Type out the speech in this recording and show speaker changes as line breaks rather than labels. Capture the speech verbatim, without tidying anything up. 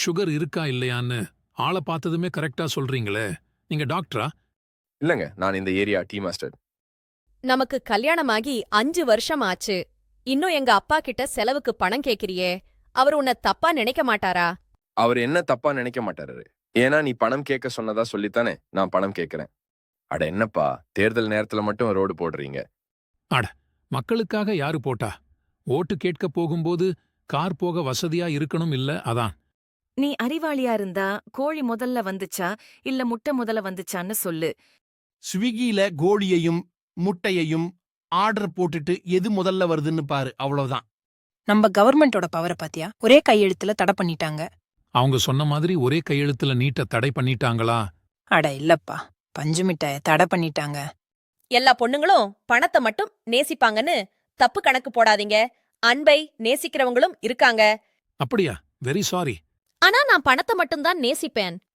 Sugar இருக்கா இல்லையான்னு ஆளை பார்த்ததுமே கரெக்டா சொல்றீங்களே, நீங்க டாக்டரா?
இல்லங்க, நான் இந்த ஏரியா டீ மாஸ்டர்.
நமக்கு கல்யாணமாகி அஞ்சு வருஷம் ஆச்சு. இன்னும் எங்க அப்பா கிட்ட செலவுக்கு பணம் கேக்குறியே, அவர் உன்னை தப்பா நினைக்க மாட்டாரா?
அவர் என்ன தப்பா நினைக்க மாட்டாரு. ஏன்னா நீ பணம் கேட்க சொன்னதா சொல்லித்தானே நான் பணம் கேட்கிறேன். அட என்னப்பா, தேர்தல் நேரத்துல மட்டும் ரோடு போடுறீங்க.
அட, மக்களுக்காக யாரு போட்டா? ஓட்டு கேட்க போகும்போது கார் போக வசதியா இருக்கணும் இல்ல, அதான்.
நீ அறிவாளியா இருந்தா கோழி முதல்ல வந்துச்சா இல்ல முட்டை முதல்ல வந்துச்சான்னு சொல்லு.
ஸ்விக்கியில கோழியையும் முட்டையையும் ஆர்டர் போட்டுட்டு எது முதல்ல வருதுன்னு பாரு, அவ்வளவுதான்.
நம்ம கவர்மெண்டோட பவரை பாத்தியா? ஒரே கையெழுத்துல தடை பண்ணிட்டாங்க.
அவங்க சொன்ன மாதிரி ஒரே கையெழுத்துல நீட்ட தடை பண்ணிட்டாங்களா?
அட இல்லப்பா, பஞ்சு மிட்டாய தடை பண்ணிட்டாங்க.
எல்லா பொண்ணுங்களும் பணத்தை மட்டும் நேசிப்பாங்கன்னு தப்பு கணக்கு போடாதீங்க. அன்பை நேசிக்கிறவங்களும் இருக்காங்க.
அப்படியா? Very sorry.
ஆனா நான் பணத்தை மட்டும்தான் நேசிப்பேன்.